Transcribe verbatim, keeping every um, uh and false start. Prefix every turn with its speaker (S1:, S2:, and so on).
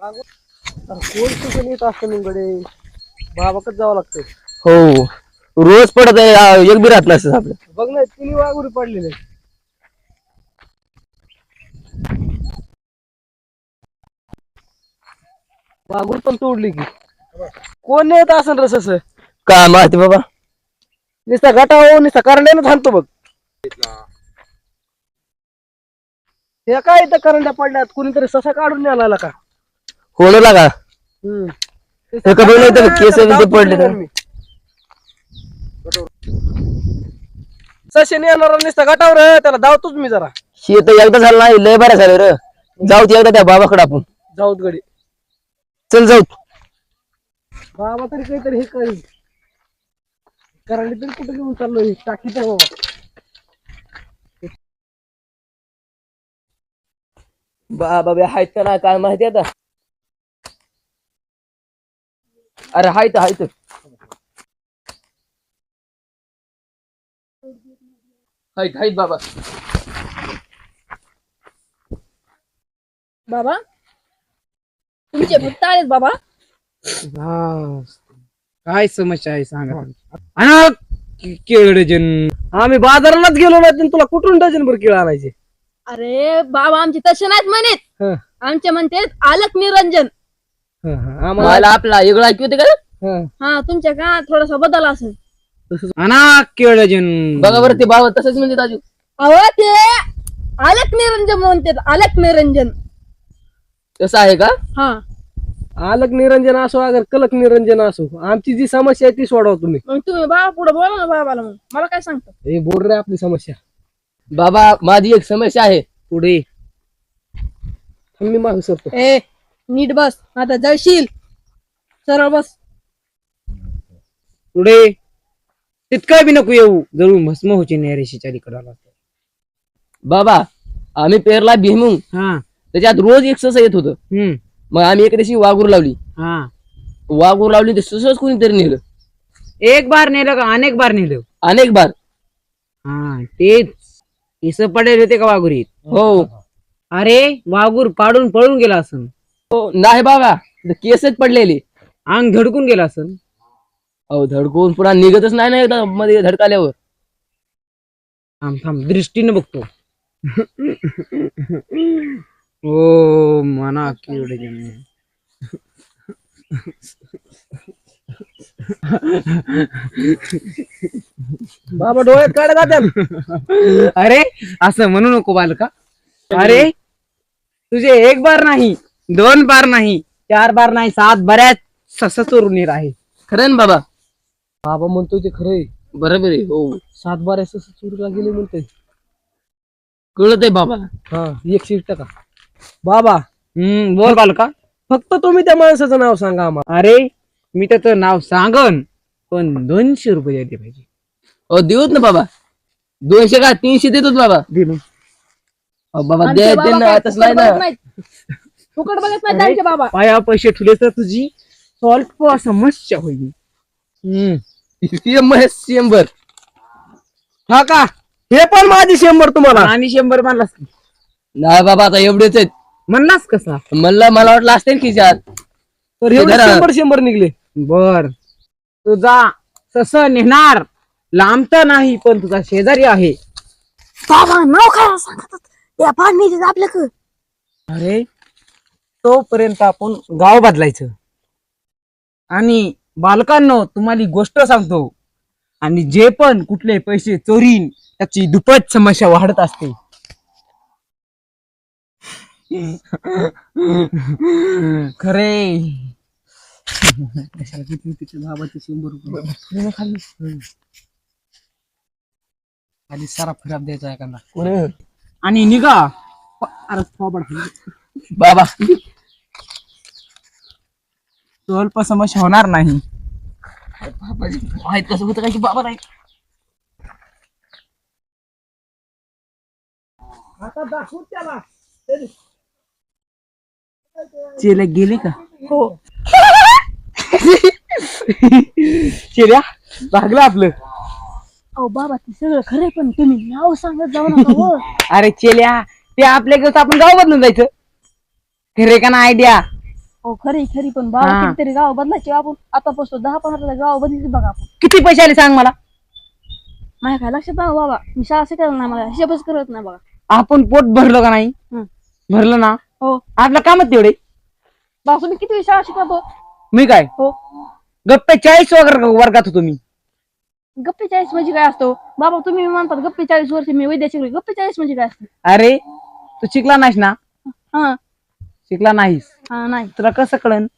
S1: कोण कुठे येत असतं निकडे बाबाकडे जावं लागतं.
S2: हो रोज पडत आहे एक बी राहत नसतं आपलं.
S1: बघ ना तिन्ही वाघुरी पडलेले. वाघूर पण तोडली की कोण येत असं रस असं
S2: का माहिती बाबा.
S1: नुसता गटावर नुसता करंड्यानं थांबतो बघ. हे काय इथं करंड्या पडल्यात कुणीतरी ससा काढून न्यायला का.
S2: होणं लागा
S1: हम्म
S2: हे का बघ इथं केस बिस पडले तर.
S1: सशेने येणार नुसता गटावर त्याला धावतोच मी जरा.
S2: हे तर एकदा झालं नाही लय बरं झालं रे. जाऊ ते एकदा त्या बाबाकडे आपण.
S1: जाऊत गडी
S2: चल जाऊ.
S1: बाबा तरी काहीतरी हे करेल करंडी तरी कुठे घेऊन चाललोय टाकीत आहे बाबा.
S2: बाबा बे हायत का नाही काय माहिती आता. अरे हायत हायत. हायत हायत बाबा.
S3: बाबा तुमचे भक्त आहेत बाबा.
S1: काय समस्या आहे सांगा. केळ डझन आम्ही बाजारालाच गेलो नाही तुला कुठून डझन भर केळ आणायचे.
S3: अरे बाबा आमचे तसे नाहीत म्हणत.
S1: हं.
S3: आमचे म्हणते आलक निरंजन.
S1: हं, हं. आम्हाला
S2: मला आपला वेगळं ऐकू होते का.
S1: हं.
S3: हा तुमच्या का थोडासा बदल असेल.
S1: आणा केळ डझन.
S2: बघा बरं ते बाबा तसंच म्हणते राजू.
S3: अहो ते आलक निरंजन म्हणते आलक निरंजन.
S2: तसं आहे का.
S3: हा
S1: आलक निरंजन असो अगर कलक निरंजन असो आमची जी समस्या आहे ती सोडवा तुम्ही.
S3: मग तुम्ही बाबा पुढे बोला ना बाबाला. मग मला काय सांगता.
S1: हे बोल रे आपली समस्या
S2: बाबा माझी एक समस्या आहे.
S1: पुढे मी मागू शकतो.
S3: ए नीट बस आता जळशील. सरळ बस.
S1: पुढे तितकं बी नको येऊ जळून भस्म होची नैरेशीच्या अलीकडे.
S2: बाबा आम्ही पेरला भीमुंग
S1: हा
S2: त्याच्यात रोज एक सस येत होतं.
S1: हम्म
S2: मग आम्ही एक दिवशी वाघूर लावली.
S1: हा
S2: वाघूर लावली ते ससच कोणीतरी नेलं.
S1: एक बार नेलं का अनेक बार नेलं.
S2: अनेक बार.
S1: हा तेच केस पडेल होते का वाघुरीत.
S2: हो
S1: अरे वाघूर पाडून पळून गेला असन.
S2: हो नाही बाबा केसच पडलेले.
S1: अंग धडकून गेला असन.
S2: अहो धडकून पुन्हा निघतच नाही ना एकदा मध्ये धडकाल्यावर.
S1: थांब थांब दृष्टीने बघतो. ओ मना किवडे बाबा डोळ्यात काढ जात्यात. अरे असं म्हणू नको बालका. अरे तुझे एक बार नाही दोन बार नाही चार बार नाही सात बऱ्याच सस चोरून येत आहे.
S2: खरं ना बाबा.
S1: बाबा म्हणतो ते खरंय.
S2: बरोबर आहे. हो
S1: सात बार सस चोरीला गेले म्हणतोय.
S2: कळत आहे बाबा.
S1: हा एकशे टक्का बाबा. हम्म बोल बालका. फक्त तुम्ही त्या माणसाचं नाव सांगा आम्हाला. अरे मी त्याचं नाव सांगन पण दोनशे रुपये द्यायला पाहिजे.
S2: हो देऊत ना बाबा. दोनशे का तीनशे देतोच बाबा.
S1: दिलो
S2: अहो बाबा
S3: आमचे
S2: दे
S3: बाबा
S2: दे ना
S3: काय
S2: आताच
S3: फुकट
S2: नाही ना.
S3: बघत नाहीत. फुकट बघत नाहीत आमचे बाबा.
S1: पाया पैसे ठेवले तर तुझी स्वल्प समस्या होईल. हम्म
S2: शंभर.
S1: हा का हे पण माझी शंभर तुम्हाला आणि शंभर म्हणलास
S2: नाही बाबा आता एवढेच आहेत.
S1: म्हणलास कसा.
S2: म्हणलं मला वाटलं असते खिशात.
S1: तर एवढे
S2: धरा.
S1: शंभर शंभर निघले. बर तुझा सस नेणार लांब तर नाही पण तुझा शेजारी आहे.
S3: बाबा नाव काय सांगतात त्या पाणी आपल्याकडं.
S1: अरे तोपर्यंत आपण गाव बदलायचं. आणि बालकांनो तुम्हाला गोष्ट सांगतो आणि जे पण कुठले पैसे चोरीन त्याची दुप्पट समस्या वाढत असते. खरे बाबाचे शंभर रुपये खाली सारा खराब द्यायचा एखादा आणि निघा. अरे
S2: बाबा
S1: स्वल्प समस्या होणार नाही.
S2: माहित कसं होतं काय की बाबा नाही.
S1: आता दाखवू त्याला. चेले गेले का.
S3: हो
S1: चेल्या भागलं आपलं.
S3: अहो बाबा ते सगळं खरंय पण तुम्ही नाव सांगत जाऊ नका हो.
S1: अरे चेल्या ते आपल्या घेऊन आपण गाव बदलून जायचं. खरे का ना आयडिया.
S3: हो खरी खरी पण बाबा
S1: हा.
S3: कितीतरी गाव बदलायचे आपण आतापासून दहा पंधरा गाव बदलली बघा आपण.
S1: किती पैसे आले सांग मला.
S3: माझ्या काय लक्षात नाही बाबा, मी शाळा शिकायला नाही, मला हिशोबच करत नाही बघा.
S1: आपण पोट भरलं का नाही.
S3: हं.
S1: भरलं ना.
S3: हो
S1: आपलं कामच तेवढे.
S3: बाबा तुम्ही किती शाळा शिकवतो.
S1: मी काय
S3: हो
S1: गप्पे चाळीस वगैरे वर्गात होतो मी.
S3: गप्पे चाळीस म्हणजे काय असतो बाबा, तुम्ही म्हणतात गप्पे चाळीस वर्ष मी वैद्य शिकले, गप्पे चाळीस म्हणजे काय असतं.
S1: अरे तू शिकला नाहीस ना.
S3: हा
S1: शिकला नाहीस
S3: हा नाही
S1: तुला कसं कळन.